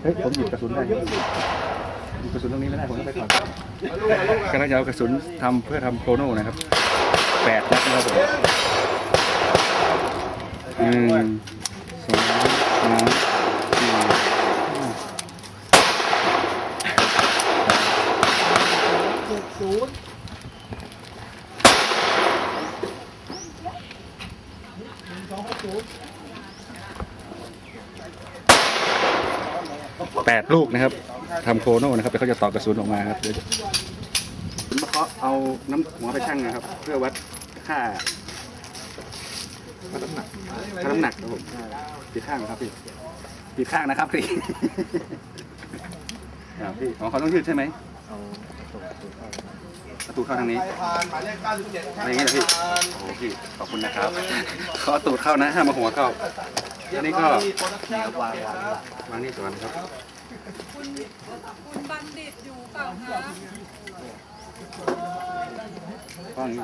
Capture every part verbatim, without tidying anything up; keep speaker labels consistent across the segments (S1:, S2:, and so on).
S1: ฮ้ยผมหยิบกระสุนได้หยิบกระสุนตรงนี้ไม่ได้ผมต้องไปก่อนกำลังจะเอากระสุนทำเพื่อทำโคโน่นะครับแปดนัดนะครับผมหนึ่งสองสามสี่
S2: ศูนย์สองศูนย์
S1: แปดลูกนะครับทำโคโน่นะครับแล้วเขาจะต่อกระสุนออกมาครับเดี๋ยวผมมาเคาะเอาน้ำหัวไปชั่งนะครับเพื่อวัดค่าค่าน้ำหนักค่าน้ำหนักครับผมปีข้างครับพี่ปีข้างนะครับพี่พี่ของเขาต้องยืดใช่ไหมประตูเข้าทางนี้อะไรอย่างเงี้ยพี่โอ้พี่ขอบคุณนะครับขอตูดเข้านะห้ามมาหัวเข้าอันนี้ก็วางวางนี่ก่อนครับ
S3: คุณคุณบัณฑิตอยู่เปล่าคะ
S1: ก้อนนี้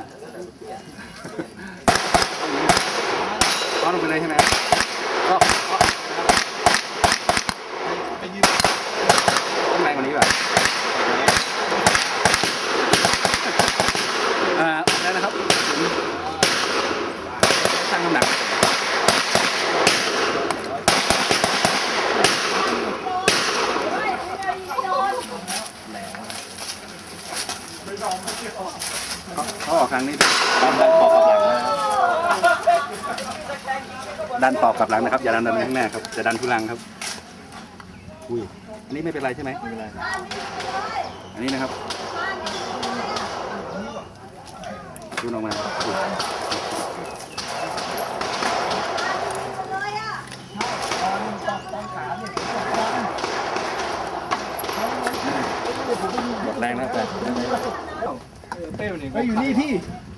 S1: ก้อนลงไปเลยใช่ไหมก็ไปยืนข้างในวันนี้แบบอ่าได้นะครับช่างน้ำหนักเขาออกครั้งนี้ดันปอกกับหลังดันปอกกับหลังนะครับอย่าดันดันข้างหน้าครับจะดันทุลังครับอุ้ยอันนี้ไม่เป็นไรใช่ไหมไม่เป็นไรอันนี้นะครับดูออกมาหมดแรงแล้วแต่
S2: เป้นี่อยู่นี่พี่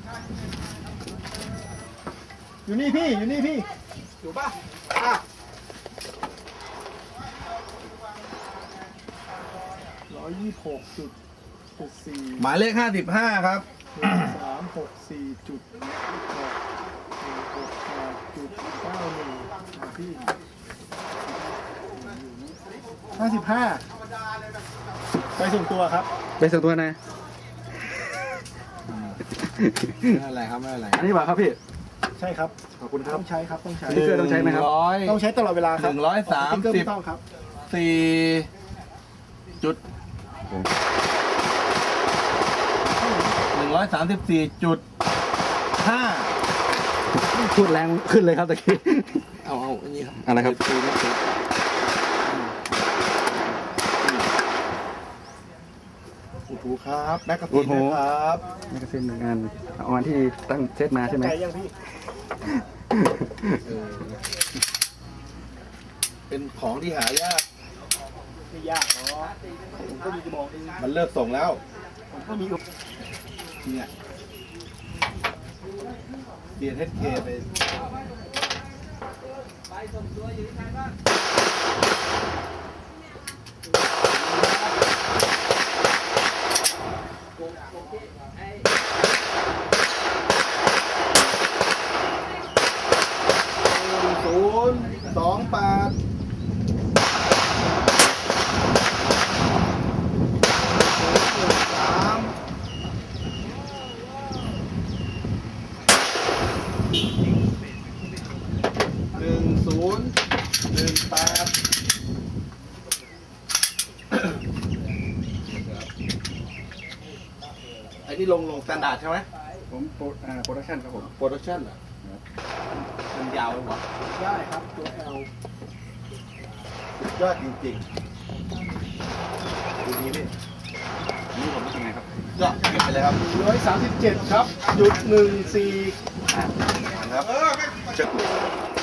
S2: อยู่นี่พี่อยู่นี่พี่อยู่ป่ะอ่ะร้อยยี่สิบหกจุดจุดสี่
S4: หมายเลขห้าสิบห้าครับ
S2: สามหกสี่จุดหกหกแปดจุดเก้าหนึ่งพี่ห้าสิบห้าไปส่งตัวครับ
S1: ไปส่งตัวนะ
S4: ไม่อะไรครับไม่อะไร
S1: อันนี้บอกครับพี่
S2: ใช่ครับ
S1: ขอบคุณครับ
S2: ต้องใช้ครับต้องใช้
S1: สติ๊กเกอร์ต้องใช้ไหมครับ
S2: ต้องใช้ตลอดเวลาครับ
S4: หนึ่งร้อยสามสิบ
S2: ต้องครับ
S4: สี่จุดหนึ่งร้อยสามสิบสี่จุดห้า
S1: พูดแรงขึ้นเลยครับตะกี้
S4: เอาเอาอันนี้ครับ
S1: อะไรครับ
S2: โอ้โหครับแม็กกาซีนนะครับ
S1: แม็กกาซีนหนึ่งอันเอาอันที่ตั้งเซตมาใช่ไหม
S2: ใจยังพี่
S4: เป็นของที่หายาก
S2: ไม่ยากเนาะผมก็มีกระบอกนึง
S4: มันเลิกส่งแล้ว
S2: ผมก็มี
S4: เนี่ยเดียนเฮดเคไป
S2: ศูนย์สองแปดสามหนึ่งศูนย์หนึ่งแปด
S4: ไอ้นี่ลงลงสแตนดาร์ดใช่ไหม
S1: ผมโปรอ่าโปรดักชั่นครับผม
S4: โปรดักชั่นเหรอมันยาวไหมวะ
S2: ได้ครับตัว L
S4: ยอดจริงๆดูนี้พี่
S1: นี่ผมเป็นไงครับ
S4: ยอดเก็บไปเลยครับ
S2: ร้อยสามสิบเจ็ดครับจุดหนึ่งสี่
S4: ครับ